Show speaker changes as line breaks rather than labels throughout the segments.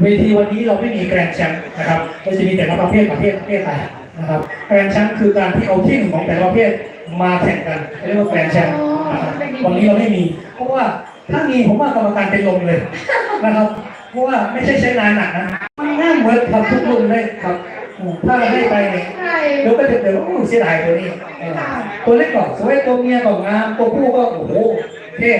เวทีวันนี้เราไม่มีแกรนด์แชมป์นะครับเราจะมีแต่ละประเภทไปนะครับแกรนด์แชมป์คือการที่เอาที่หนึ่งของแต่ละประเภทมาแข่งกันเรียกว่าแกรนด์แชมป์นะครับวันนี้เราไม่มีเพราะว่าถ้ามีผมว่ากรรมการเป็นลมเลยนะครับเพราะว่าไม่ใช่ใช้งานหนักนะง่ายเหมือนทำทุกรุ่นเลยครับถ้าให้ไปเนี่ยเดี๋ยวก็จะเดี๋ยวเสียดายตัวนี้ตัวเล็กก่อนสวยตัวเมียก่อนงามตัวผู้ก็โอ้โหเท่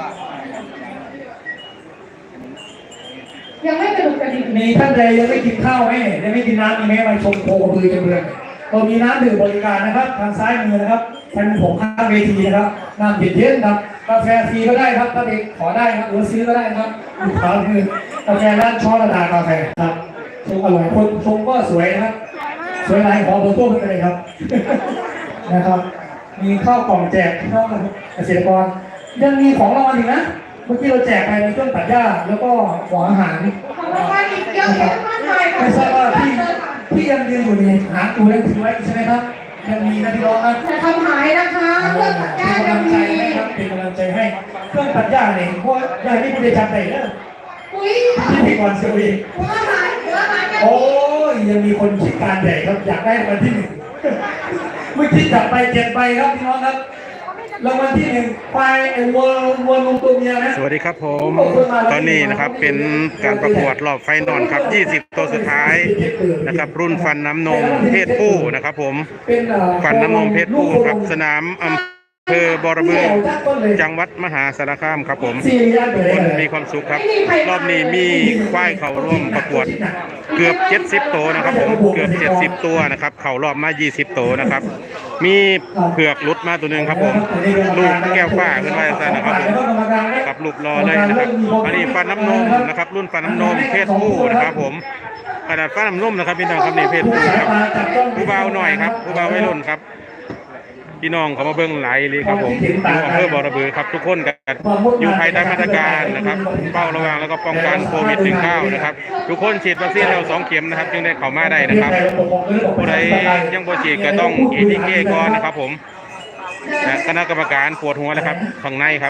ยังไม่กระดุกกระดิก
มีท่านใดยังไม่กินข้าวไหมยังไม่กินน้ำมีไหมมาชมโคกระบือจะเบือนเรามีน้ำดื่มบริการนะครับทางซ้ายมือนะครับท่านผมข้างเวทีนะครับน้ำเย็นๆครับกาแฟฟรีก็ได้ครับถ้าเด็กขอได้ครับหรือซื้อก็ได้ครับอยู่ขวามือกาแฟร้านช้อนระดากาแฟครับชมอร่อยคนชมก็สวยนะครับสวยหลายของโบโต้เป็นเลยครับนะครับมีข้าวกล่องแจกพี่น้องเกษตรกรยังมีของรางวัลอีกนะเมื่อกี้เราแจกไปในเครื่องตัดหญ้าแล้วก็หัวอาหาร
ของรางวัลอีกเยอะแยะมากมายค่ะ
ไม่ทราบว่าพี่ยังยืนอยู่นี่หาตัวเล่นถือไว้ใช่ไหมครับยังมีนะพี่น้องครับ
จะทำหายนะคะเครื่องตัดหญ้ายังมี
เป็นกำลังใจให้เครื่องตัดหญ้าเนี่ยเพราะยายนี่ไม่ได้จำได้เลย
อุ้ย
พี่ก่อนเสียอีก
หัวหาย
โอ้ยยังมีคนคิดการใหญ่ครับอยากได้รางวัลที่หนึ่งเมื่อกี้จับไป7 ใบครับพี่น้องครับรางวัลที่1ควายวัวลงตัวเมียนะ
สวัสดีครับผมตอนนี้นะครับเป็นการประกวดรอบไฟนอลครับ20ตัวสุดท้ายนะครับรุ่นฟันน้ำนมเพศผู้นะครับผมฟันน้ำนมเพศผู้ครับสนามอำเภอบอระบือจังหวัดมหาสารคามครับผมคนมีความสุขครับรอบนี้มีควายเข้าร่วมประกวดเกือบ70ตัวนะครับผมเกือบ70ตัวนะครับเข้ารอบมา20ตัวนะครับมีเผือกลุดมาตัวหนึ่งครับผมลูกแก้วฟ้าขึ้นมาซะนะครับผมกับลูกรอเลยนะครับอันนี้ฟันน้ำนมนะครับรุ่นฟันน้ำนมเพศผู้นะครับผมขนาดฟันน้ำนมนะครับพี่น้องครับนี่เพศผู้ครับผู้เบาหน่อยครับผู้เบาไม่รุ่นครับพี่น้องเขามาเบิ้งไหลเลยครับผมอยู่อำเภอบอระบือครับทุกคนกันอยู่ภายใต้มาตรการนะครับเฝ้าระวังแล้วก็ป้องกันโควิด-19นะครับทุกคนฉีดวัคซีนแล้ว2 เข็มนะครับจึงได้เข้ามาได้นะครับผู้ใดยังบ่ฉีดก็ต้องATKก่อนนะครับผมคณะกรรมการปวดหัวแล้วครับข้างในครับ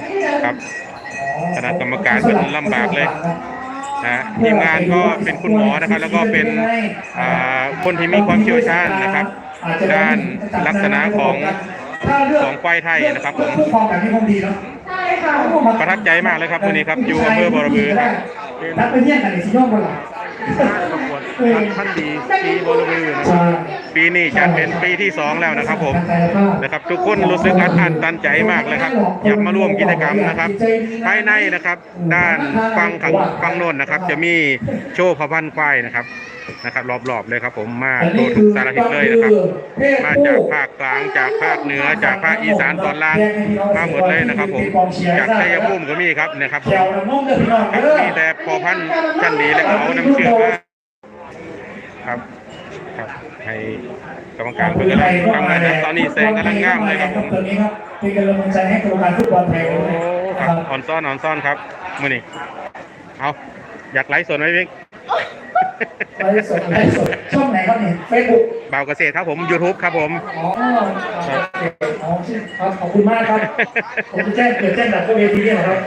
คณะกรรมการเป็นลำบากเลยทีมงานก็เป็นคุณหมอนะครับแล้วก็เป็นคนที่มีความเชี่ยวชาญนะครับด้านลักษณะของควายไทยนะครับผมประทับใจมากเลยครับวันนี้ครับอยู่อำเภอบอระบือ
รับไปเยี่ยมกันในสิโนบุรี
ประกวดท่านดีปีบอระบือปีนี้จะเป็นปีที่2แล้วนะครับผมนะครับทุกคนรู้สึกอัดอั้นตันใจมากเลยครับอยากมาร่วมกิจกรรมนะครับภายในนะครับด้านฝั่งโน้นนะครับจะมีโชว์พระพันธุ์ควายนะครับรอบๆเลยครับผมมาโตทุกสารทิศเลยนะครับมาจากภาคกลางจากภาคเหนือจากภาคอีสานตอนล่างมาหมดเลยนะครับผมจากชัยภูมิก็มีครับนะครับมีแต่พอพันธุ์ชั้นดีและเขานำเชื่อมาครับให้กรรมการเพื่อนทำงานตอนนี้แสงกำลังงามเลยครับผม
เป็นกำลังใจให้กรรมการฟุตบอลไทย
ครับอ่อนซ่อนครับมื้อนี้เอาอยากไลฟ์สดไหมพี่
ไลฟ์สดช่องไหนครับเนี่ยเฟซบุ๊ก
บ่าวเกษตรครับผม YouTube ครับผม
ขอบคุณมากครับผมจะแจ้งแบบตัวเวทีนี่นะครับ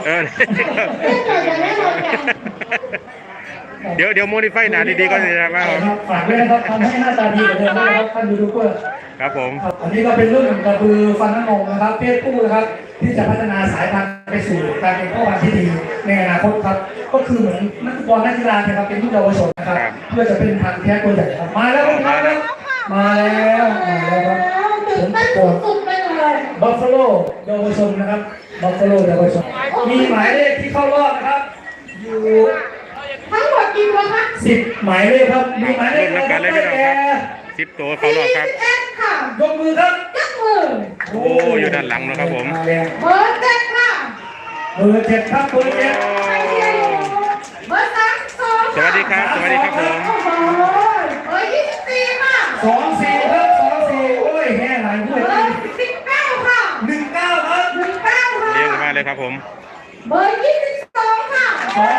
เดี๋ยวโมดิฟายหนาดีๆก็จะมา
ฝากด้วยนะครับทำให้หน้าตาดีกว่าเดิมนะครับท่านยูทูบเบอร์
ครับผม
อันนี้ก็เป็นรุ่นกระบือฟันน้ำนมนะครับเพศผู้นะครับที่จะพัฒนาสายพันธุ์ไปสู่การเป็นพ่อพันธุ์ที่ดีในอนาคตครับก็คือเหมือนนักฟุตบอลนักกีฬานะครับเป็นรุ่นเยาวชนนะครับเพื่อจะเป็นพันธุ์แท้ตัวใหญ่ครับมาแล้วครับมาแล้วครับ
ตื่นเต้นสุดๆไปเลย
บัฟฟาโลเยาวชนนะครับบัฟฟาโลเยาวชนมีหมายเลขที่เข้ารอบนะครับอยู่
ทั้งหมดกี่ตัวคะ
10 หมายเลขครับมีหมายเลข
นับกันเลยพี่น้องครับ10 ตัวเข้ารอบครับ
ยกมือครับ
ยกมือ
โอ้อยู่ด้านหลังนะครับผม
เบอร์7ค่ะ
เบอร์7ครับเบอร์7
เบอร์32
สวัสดีครับผม
เบอร์24ค่ะ
24ครับ24โอ้ยแห่หลายด้วย
เบอร์19ค่ะ
19ครับ
19ค่ะ
เรียกมาเลยครับผม
เบอร์22ค่ะเบอ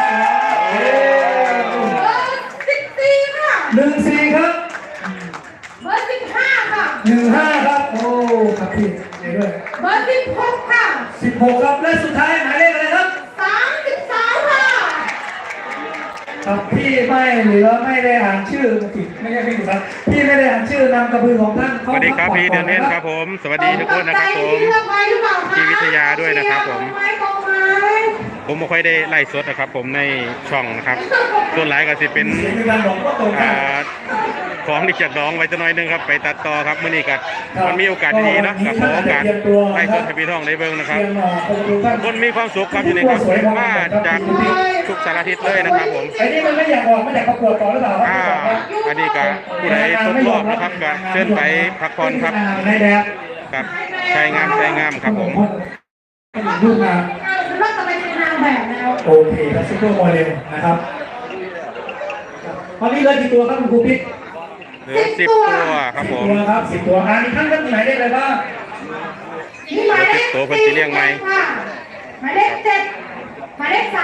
ร์14ค่ะ
14ครับ
เบอร์15ค่ะ
15ครับโอ้ครับพี่ด้วย
เบอร์16ค่ะ
16ครับและสุดท้ายหมายเลขอะไรครับ
33ค่ะ
ครับพี่ไม่เหลือไม่ได้อ่านชื่อผิดไม่ใช่ไม่ถูกครับพี่ไม่ได้อ่านชื่อนามกระบือของท่าน
สวัสดีครับพี่เดือนเทนครับผมสวัสดีทุกคนนะครับผม
เลือกไว้หรือเปล่าคะ
พี่วิทยาด้วยนะครับผม
ไม้กองไม้
ผมไม่ค่อยได้ไล่สดนะครับผมในช่องนะครับส่วนหลายก็สิเป็น
เสียงในการบอกว่าตรงกัน
ของที่จากน้องไว้จะน้อยหนึงครับไปตัดต่อครับเมื่อนี้ก็มันมีโอกาสดีๆเนาะกับขอโอกาสไล่สดให้พี่น้องได้เบิ่งนะครับ
เรียนคนดูท่าน
คนมีความสุขครับอยู่นี่ครับมาจากทุกสารทิศเลยนะครับผม
ไอ้นี่มันไม่อยากออกไม่อยากประกวดต่อหรือเปล่าครับ
อันนี้ก็ผู้ใดตกรอบนะครับก็เชิญไปพักผ่อนครับ
ในแดด
ครับใช้งามครับผม
ดูงาน
เราจะไปเป็นนางแบบแล้ว
โอเคแล้วซุปเปอร์โมเดลนะครับตอนนี้เหลือกี่ตัวครับคุณครูพิษ
เหลือ10 ตัวครับผม
ตัวครับ10 ตัวอันนี้ท่านก็มีหมายเลขอะไรบ้าง
มีหมายเลข
ตัวเพิ่นสิเรียงไหม
ค่ะหมายเลข7หมายเลข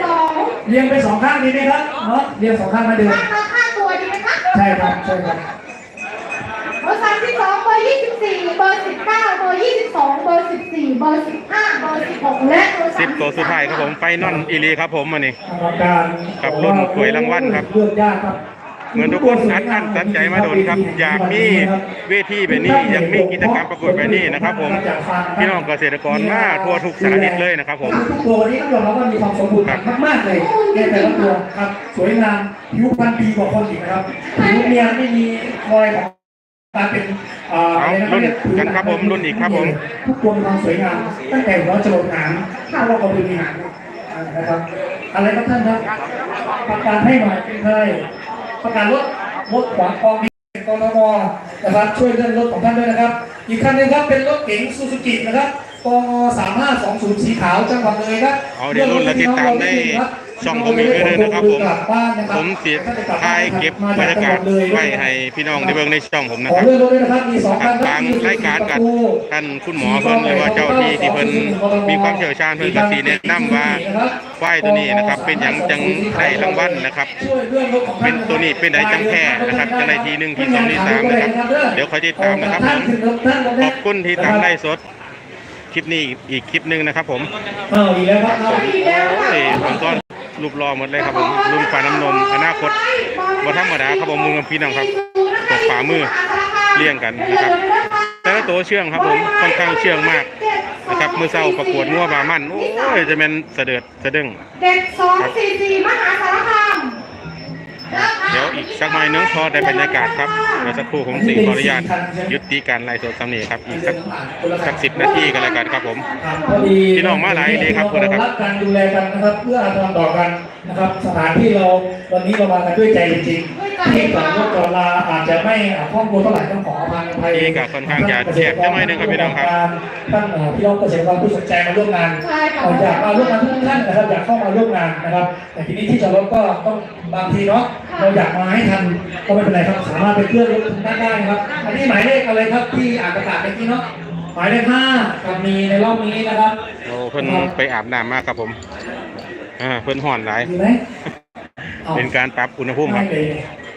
32
เรียงไปสองข้างดีไหมครับเนาะเรียงสองข้างมาเดิม
ค่าตัวดีไหมคะ
ใช่ครับใช่ครับ
เบอร์32เบอร์24เบอร์19เบอร์22เบอร์14เบอร์15เบอร์16และเบอร์
10 ตัวสุดท้ายครับผมไฟนอลอีลีครับผมอันนี้
กรรมการ
ครับรุ่นถ้วยรางวัลครับ
เลือกยากครับ
เหมือนทุกคนอัดอั้นตันใจมาโดนครับอยากมีเวทีแบบนี้อยากมีกิจกรรมประกวดแบบนี้นะครับผมพี่น้องเกษตรกรมาทั่วทุกสารทิศเลยนะครับผม
ทุกตัววันนี้ต้องยอมรับว่ามีความสมบูรณ์มากๆเลยในแต่ละตัวครับสวยงามผิวพรรณดีกว่าคนอีกนะครับผิวเนียนไม่มีรอยของการเป็น
รุ่นกันครับผมรุ่นอีกครับผม
ทุกตัวมีความสวยงามตั้งแต่หัวจรดหางถ้าเราก็มีหางนะครับอะไรครับท่านครับประกาศให้หน่อยเป็นใครประกาศรถขวางกองนี้กรมนะครับช่วยเรื่องรถของท่านด้วยนะครับ อีกคันหนึงครับเป็นรถเก๋งซูซูกินะครับกง3520สีขาวจังหวัดเลยครับ
เอาเดี๋ยวรุ่นและติดตามได้ช่องผมอีกเลยนะครับผมผมสิถ่ายเก็บบรรยากาศไว้ให้พี่น้องได้เบิ่งในช่องผมนะ
ขอ
ครับ
เลื่อนรถด้วยนะครับมี2คัน
ทางรายการกับท่านคุณหมอเพิ่นหรือว่าเจ้าที่ที่เพิ่นมีความเชี่ยวชาญเพิ่นก็สิแนะนำว่าควายตัวนี้นะครับเป็นหยังจังได้รางวัลนะครับ เป็นตัวนี้เป็นไดจังแค่นะครับจังไดที1ที2ที3นะครับเดี๋ยวคอยติดตามนะครับผมขอบคุณที่ตามไลฟ์สดคลิปนี้อีกคลิปหนึงนะครับผม
อีกแล้วครับ
โอ้ยผมต้อนรูปรอหมดเลยครับผมรุ่นฟ้าน้ำนมอนาคตบ่ธรรมดาครับผมมือพี่น้องครับตกฝ่ามือเลี้ยงกันนะครับแต่ละตัวเชื่องครับผมค่อนข้างเชื่องมากนะครับมือเศร้าประกวดงัวบามันโอ้ยจะเป็นเสด็จสะดึง
เด็ก244มหาสารคาม
เดี๋ยวอีกสักหน่อยนึงพอได้บรรยากาศครับเดี๋ยวสักครู่ผมสิขออนุญาตยุติการไลฟ์สดสำเนีครับอีกสัก10 นาทีกันแล้วกันครับผม พี่น้องมาหลายดีครับคุณนะครับ
รักกันดูแลกันนะครับเพื่ออาทรต่อกันนะครับสถานที่เราวันนี้เรามากันด้วยใจจริงๆที่ต่อรถต่อลาอาจจะไม่คล่องตัวเท่าไหร่ต้องขออภัย
นี่ก็ค่อนข้างจะแคบจังหน่อยนึงครับพี่น้องครับ
ท่านพี่น้องเกษตรกรผู้สนใจมาร่วมงานอยากมาร่วมงานทุกท่านนะครับอยากเข้ามาร่วมงานนะครับแต่ทีนี้ที่จอดรถก็ต้องบางทีเนาะเราอยากมาให้ทันก็ไม่เป็นไรครับสามารถไปเคลื่อนรถทุกท่านได้นะครับอันนี้หมายเลขอะไรครับที่อ่านประกาศเมื่อกี้เนาะหมายเลข5กับมีในรอบนี้นะครับ
โอ้เพิ่นไปอาบน้ำมากครับผมเพิ่นห่อนหลาย
ดีไหม
เป็นการปรับอุณหภูมิครับ
ไม่เลย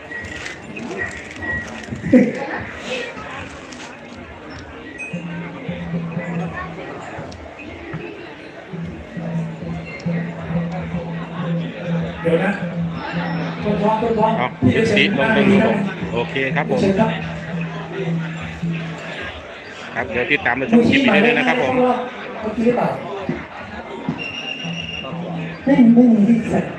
เดี๋ยวนะต้นท้อง
เอายุติลงตรงนี้ผมโอเคครับผม
เชิญครับ
ครับเดี๋ยวติดตามในช่องคลิปนี้เลยนะครับผม
เมื่อกี้หรือเปล่าไม่มีที่ใส่